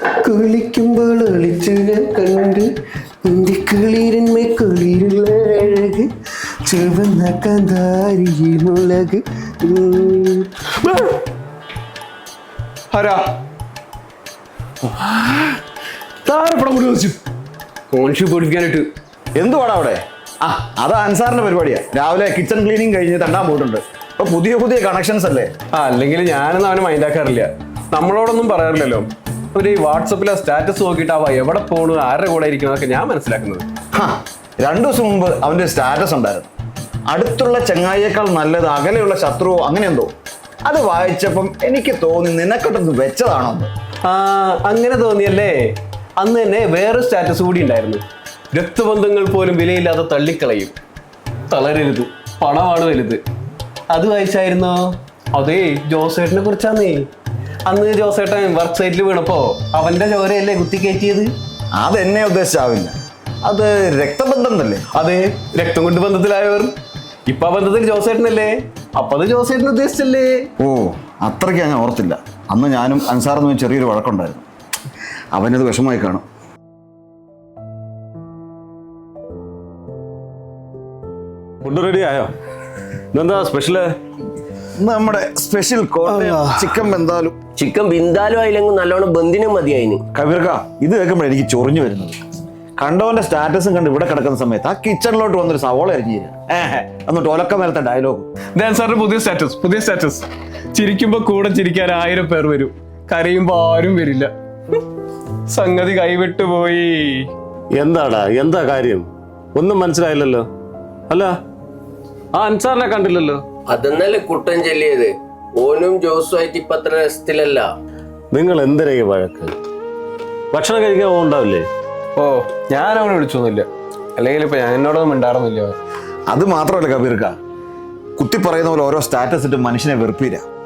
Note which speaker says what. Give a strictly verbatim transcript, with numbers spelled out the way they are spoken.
Speaker 1: കുളിക്കുമ്പോൾ ഒളിച്ചു ഞാൻ കണ്ട് നിന്റെ കുളിരന്മേ കുളിരുള്ള അഴക് ചുവന്ന കാന്താരിയിൽ മുളക്. ആരാ താരപ്പടം കൂടി വെച്ചു കോൺഷി പൊടിക്കാനായിട്ട്.
Speaker 2: എന്തുവാടാ അവിടെ? ആ അത് അൻസാറിന്റെ പരിപാടിയാ. രാവിലെ കിച്ചൺ ക്ലീനിങ് കഴിഞ്ഞ് തണ്ടാൻ പോയിട്ടുണ്ട്. അപ്പൊ പുതിയ പുതിയ കണക്ഷൻസ് അല്ലേ?
Speaker 1: ആ അല്ലെങ്കിൽ ഞാനൊന്നും അവന് മൈൻഡാക്കാറില്ല. നമ്മളോടൊന്നും പറയാറില്ലല്ലോ. ഒരു വാട്സപ്പിലെ സ്റ്റാറ്റസ് നോക്കിയിട്ട് അവ എവിടെ പോണു ആരുടെ കൂടെ ഇരിക്കുന്നതൊക്കെ ഞാൻ മനസ്സിലാക്കുന്നത്.
Speaker 2: രണ്ടു ദിവസം മുമ്പ് അവന്റെ സ്റ്റാറ്റസ് ഉണ്ടായിരുന്നു. അടുത്തുള്ള ചങ്ങായിയേക്കാൾ നല്ലത് അകലെയുള്ള ശത്രുവോ അങ്ങനെ എന്തോ. അത് വായിച്ചപ്പം എനിക്ക് തോന്നി നിനക്കൊട്ടൊന്ന് വെച്ചതാണോ.
Speaker 1: ആ അങ്ങനെ തോന്നിയല്ലേ. അന്ന് തന്നെ വേറെ സ്റ്റാറ്റസ് കൂടി ഉണ്ടായിരുന്നു. രക്തബന്ധങ്ങൾ പോലും വിലയില്ലാതെ തള്ളിക്കളയും, തളരരുത്, പണമാണ് വലുത്. അത് വായിച്ചായിരുന്നോ? അതേ ജോസേട്ടനെ കുറിച്ചാന്നേ. അന്ന് ജോസേട്ടൻ വർക്ക് സൈറ്റിൽ വീണപ്പോ അവന്റെ ചോരയല്ലേ കുത്തിക്കയറ്റിയത്.
Speaker 2: അതെന്നെ ഉദ്ദേശിച്ചാവില്ല, അത് രക്തബന്ധം തന്നെ.
Speaker 1: അതെ, രക്തം കൊണ്ട് ബന്ധത്തിലായവർ. ഇപ്പൊ ആ ബന്ധത്തിൽ ജോസേട്ടനല്ലേ, അപ്പൊ അത് ജോസേട്ടൻ ഉദ്ദേശിച്ചല്ലേ.
Speaker 2: ഓ അത്രയ്ക്ക് ഞാൻ ഓർത്തില്ല. അന്ന് ഞാനും അൻസാറെന്ന് ചെറിയൊരു വഴക്കുണ്ടായിരുന്നു. അവനത് വിഷമമായി കാണും.
Speaker 3: ഫുഡ് റെഡി ആയോ? ഇതെന്താ സ്പെഷ്യല്?
Speaker 2: നമ്മുടെ സ്പെഷ്യൽ ചിക്കൻ ബന്താലും.
Speaker 4: ചിക്കൻ ബിന്ദാലും ആയില്ലെങ്കിൽ നല്ലോണം ബന്ധിനും മതിയായിന്.
Speaker 2: കബീർക്ക, ഇത് കേൾക്കുമ്പോൾ എനിക്ക് ചൊറിഞ്ഞു വരുന്നത്. കണ്ടവന്റെ സ്റ്റാറ്റസും കണ്ട് ഇവിടെ കിടക്കുന്ന സമയത്ത് ആ കിച്ചണിലോട്ട് വന്നൊരു സവോള അരിഞ്ഞു തരാം. ഏഹ് എന്നിട്ട് ഒലക്ക മേലത്തെ ഡയലോഗ്.
Speaker 1: സാറിന്റെ പുതിയ സ്റ്റാറ്റസ് പുതിയ സ്റ്റാറ്റസ് ചിരിക്കുമ്പോ കൂടെ ചിരിക്കാൻ ആയിരം പേർ വരും, കരയുമ്പോ ആരും വരില്ല. സംഗതി കൈവിട്ടു പോയി.
Speaker 3: എന്താടാ, എന്താ കാര്യം? ഒന്നും മനസ്സിലായില്ലല്ലോ. അല്ല, ആ അൻസാറിനെ കണ്ടില്ലല്ലോ.
Speaker 4: അതെന്നല്ലേ കുട്ടൻ ചൊല്ലിയത്. ഓനും ജോസുമായിട്ട് ഇപ്പൊ അത്ര രസത്തിലല്ല.
Speaker 3: നിങ്ങൾ എന്തിനാ ഈ വഴക്ക്? ഭക്ഷണം കഴിക്കാൻ പോകണ്ടാവില്ലേ?
Speaker 1: ഓ ഞാൻ അവനെ വിളിച്ചൊന്നുമില്ല, അല്ലെങ്കിൽ ഇപ്പൊ ഞാൻ എന്നോടൊന്നും മിണ്ടാറുന്നില്ല.
Speaker 2: അത് മാത്രമല്ല കബീർക്ക, കുത്തി പറയുന്ന പോലെ ഓരോ സ്റ്റാറ്റസ് ഇട്ട് മനുഷ്യനെ വെറുപ്പില്ല.